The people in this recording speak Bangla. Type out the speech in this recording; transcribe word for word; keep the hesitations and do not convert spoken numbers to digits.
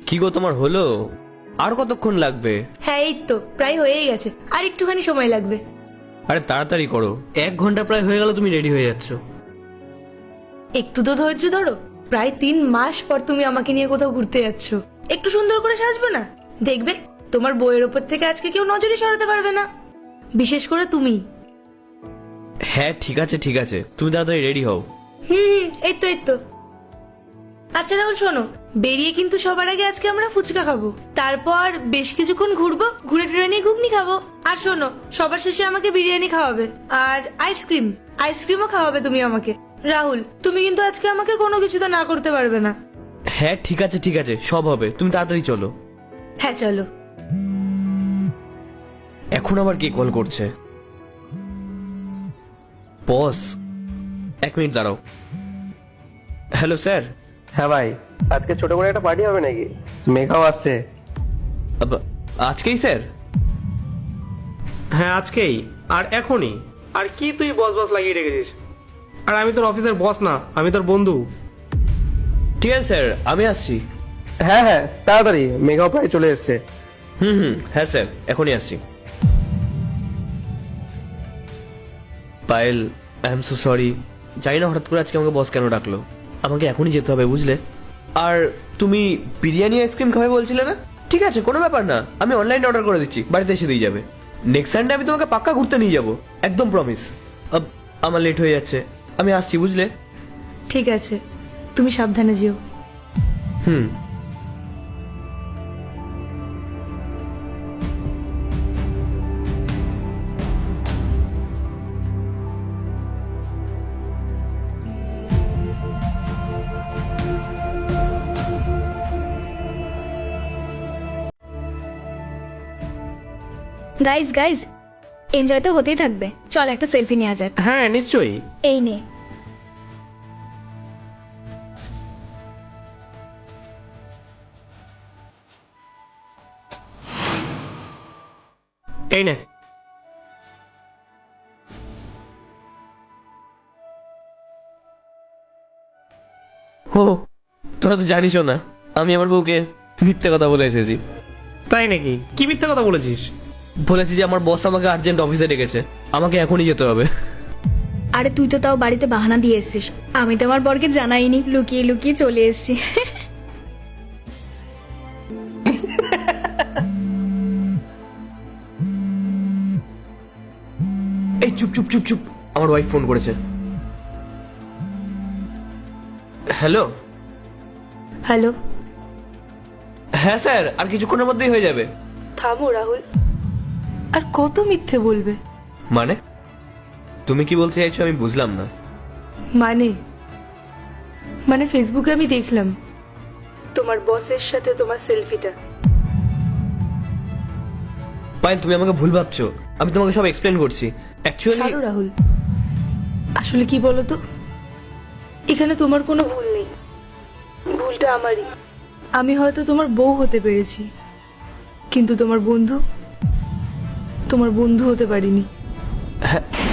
কি গো তোমার হলো? আর কতক্ষণ লাগবে? হ্যাঁ এই তো প্রায় হয়েই গেছে, আর একটুখানি সময় লাগবে। আরে তাড়াতাড়ি করো, এক ঘন্টা প্রায় হয়ে গেল তুমি রেডি হয়ে যাচ্ছ। একটু তো ধৈর্য ধরো, প্রায় তিন মাস পর তুমি আমাকে নিয়ে কোথাও ঘুরতে যাচ্ছ, একটু সুন্দর করে সাজবে না? দেখবে তোমার বইয়ের ওপর থেকে আজকে কেউ নজরই সরাতে পারবে না, বিশেষ করে তুমি। হ্যাঁ ঠিক আছে ঠিক আছে, তুমি তাড়াতাড়ি রেডি হও। হুম হুম, এই তো এই তো। আচ্ছা রাহুল শোনো, বেরিয়ে কিন্তু সবার আগে আজকে আমরা ফুচকা খাবো, তারপর বেশ কিছুক্ষণ ঘুরবো, ঘুরে টুরে নিয়ে ঘুগনি খাবো, আর শোনো সবার শেষে আমাকে বিরিয়ানি খাওয়াবে আর আইসক্রিম, আইসক্রিমও খাওয়াবে তুমি আমাকে। রাহুল তুমি কিন্তু আজকে আমাকে কোনো কিছুতে না করতে পারবে না। হ্যাঁ ঠিক আছে ঠিক আছে, সব হবে, তুমি তাড়াতাড়ি চলো। হ্যাঁ চলো। এখন আবার কে কল করছে? বস, এক মিনিট দাঁড়াও। Hello sir. হ্যাঁ ভাই, আজকে ছোট করে একটা পার্টি হবে নাকি? মেঘাও আসছে। আব- আজকেই স্যার? হ্যাঁ আজকেই, আর এখনই। আর কি তুই বস বস লাগিয়ে রেখেছিস? আর আমি তোর অফিসের বস না, আমি তোর বন্ধু। ঠিক আছে স্যার, আমি আসছি। হ্যাঁ হ্যাঁ তাড়াতাড়ি, মেঘাও প্রায় চলে এসছে। হুম হুম, হ্যাঁ স্যার এখনই আসছি। Payel, I am so sorry, জানি না হঠাৎ করে আজকে আমাকে বস কেন ডাকলো। আমাকে এখনই যেতে হবে বুঝলে। আর তুমি বিরিয়ানি আইসক্রিম খাবে বলছিলে না? ঠিক আছে কোনো ব্যাপার না, আমি অনলাইনে অর্ডার করে দিচ্ছি, বাড়িতে এসে দিয়ে যাবে। নেক্সট সানডে আমি তোমাকে পাক্কা ঘুরতে নিয়ে যাবো, একদম প্রমিস। আমার লেট হয়ে যাচ্ছে, আমি আসছি বুঝলে। ঠিক আছে, তুমি সাবধানে যেও। হুম। গাইজ গাইজ এনজয় তো হতেই থাকবে, চল একটা সেলফি নেওয়া যাক। হ্যাঁ নিশ্চয়ই। এই নে। এই নে। ও, তোরা তো জানিসও না আমি আমার বউকে মিথ্যে কথা বলে এসেছি। তাই নাকি? কি মিথ্যা কথা বলেছিস? বলেছি যে আমার বস আমাকে আর্জেন্ট অফিসে ডেকেছে, আমাকে এখনই যেতে হবে। আরে তুই তো তাও বাড়িতে বাহানা দিয়ে এসছিস, আমি তো আমার বরকে জানাইনি, লুকিয়ে লুকিয়ে চলে এসছি। এই চুপ চুপ চুপ চুপ, আমার ওয়াইফ ফোন করেছে। হ্যালো। হ্যালো। হ্যাঁ স্যার, আর কিছুক্ষণের মধ্যেই হয়ে যাবে। থামো রাহুল, আর কত মিথ্যে বলবে? মানে তুমি কি বলতে চাইছো আমি বুঝলাম না। মানে মানে ফেসবুকে আমি দেখলাম তোমার বসের সাথে তোমার সেলফিটা। পায়েল তুমি আমাকে ভুল ভাবছো, আমি তোমাকে সব এক্সপ্লেন করছি। অ্যাকচুয়ালি ছাড়ো রাহুল, আসলে কি বলো তো, এখানে তোমার কোনো ভুল নেই, ভুলটা আমারই। আমি হয়তো তোমার বউ হতে পেরেছি, কিন্তু তোমার বন্ধু, তোমার বন্ধু হতে পারিনি। হ্যাঁ